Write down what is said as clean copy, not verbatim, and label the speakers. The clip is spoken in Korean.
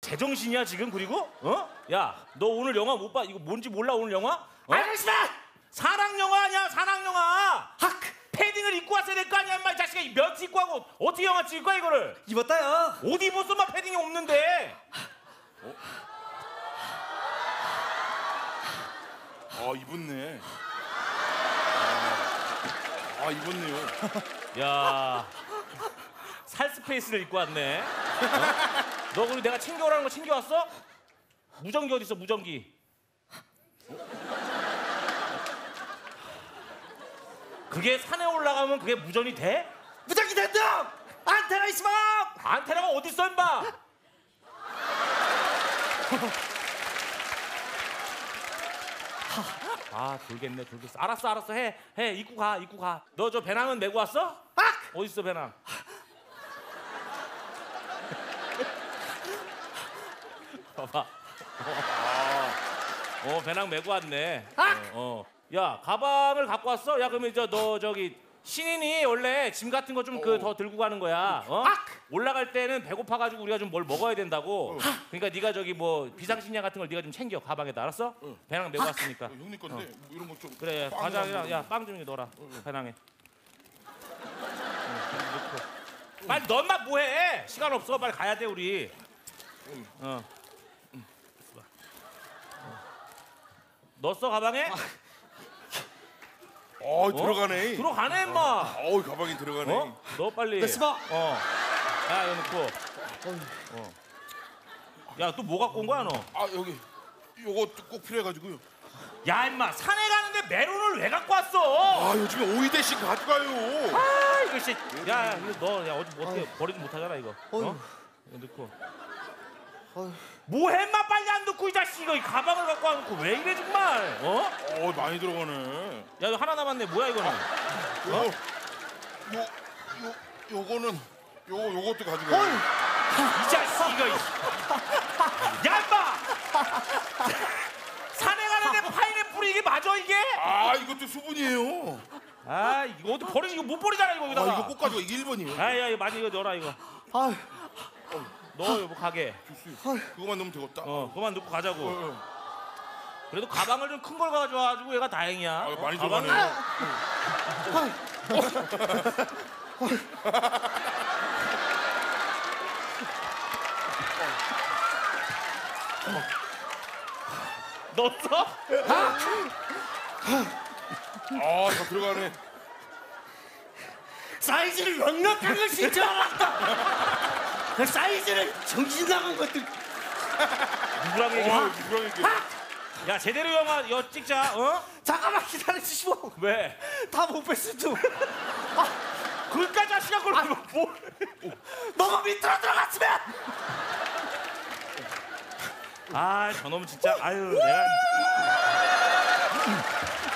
Speaker 1: 제정신이야 지금? 그리고 야, 너 오늘 영화 못 봐? 이거 뭔지 몰라 오늘 영화?
Speaker 2: 알겠습니다.
Speaker 1: 사랑 영화 아니야, 사랑 영화. 패딩을 입고 왔어야 될 거 아니야, 인마. 이 자식아, 몇 입고 하고 어떻게 영화 찍을 거야 이거를?
Speaker 2: 입었다요.
Speaker 1: 옷 입었어만 패딩이 없는데.
Speaker 3: 입었네. 입었네요.
Speaker 1: 야, 살 스페이스를 입고 왔네. 너 그리고 내가 챙겨오라는 거 챙겨왔어? 무전기 어디 있어, 무전기? 그게 산에 올라가면 그게 무전이 돼?
Speaker 2: 무전기 된다. 안테나 있으면.
Speaker 1: 안테나가 어디 있어, 임마? 돌겠네, 돌겠어. 알았어, 해, 입고 가. 너 저 배낭은 메고 왔어? 어디 있어, 배낭? 봐봐. 배낭 메고 왔네. 야, 가방을 갖고 왔어? 야, 그러면 너 저기 신인이 원래 짐 같은 거 좀 더 들고 가는 거야. 올라갈 때는 배고파가지고 우리가 좀 뭘 먹어야 된다고. 그러니까 네가 저기 뭐 비상식량 같은 걸 네가 좀 챙겨, 가방에다. 알았어? 배낭 메고 왔으니까.
Speaker 3: 형님 건데 뭐 이런 거 좀.
Speaker 1: 그래, 과자랑 야, 빵 좀 넣어라. 배낭에. 빨리 넌만 뭐해? 시간 없어. 빨리 가야 돼 우리. 넣었어 가방에?
Speaker 3: 들어가네.
Speaker 1: 들어가네 임마.
Speaker 3: 가방에 들어가네.
Speaker 1: 너 빨리.
Speaker 2: 됐어.
Speaker 1: 야, 이거 넣고. 야, 또 뭐 갖고 온 거야 너?
Speaker 3: 여기 요거 꼭 필요해가지고요.
Speaker 1: 야, 임마, 산에 가는데 메론을 왜 갖고 왔어?
Speaker 3: 요즘에 오이대씩 가져가요.
Speaker 1: 이거 씨. 야, 이거 너 어디 어떻게 버리지 못하잖아 이거. 이거 넣고. 뭐해 임마, 빨리 안 넣고 이 자식. 이거 이 가방을 갖고 와놓고 왜 이래 정말?
Speaker 3: 많이 들어가네.
Speaker 1: 야, 이거 하나 남았네. 뭐야 이거는?
Speaker 3: 요거는 요것도 가져가요.
Speaker 1: 이 자식 이거. 야, 임마. 산에 가는데 파인애플이 이게 맞아 이게?
Speaker 3: 이것도 수분이에요.
Speaker 1: 이거 어디 버리지? 이거 못 버리잖아 이거 여기다가.
Speaker 3: 이거 꼭 가져가. 이게 1번이에요.
Speaker 1: 야, 이거 많이 이거 넣어라 이거. 넣어, 여보, 가게.
Speaker 3: 그거만 넣으면 되겠다.
Speaker 1: 그만 넣고 가자고. 그래도 가방을 좀 큰 걸 가져와가지고 얘가 다행이야.
Speaker 3: 많이
Speaker 1: 가방을.
Speaker 3: 들어가네.
Speaker 1: 넣었어?
Speaker 3: 다 들어가네.
Speaker 2: 사이즈를 넉넉한 걸 신청하겠다. 그 사이즈를 정신 나간 것들.
Speaker 1: 누구랑 얘기해? 야, 제대로 영화 찍자.
Speaker 2: 잠깐만 기다려주시오.
Speaker 1: 왜?
Speaker 2: 다 못 뺐어.
Speaker 1: 그까지 하시냐 그걸 뭐?
Speaker 2: 너가 밑으로 들어갔으면.
Speaker 1: 저놈은 진짜. 내가.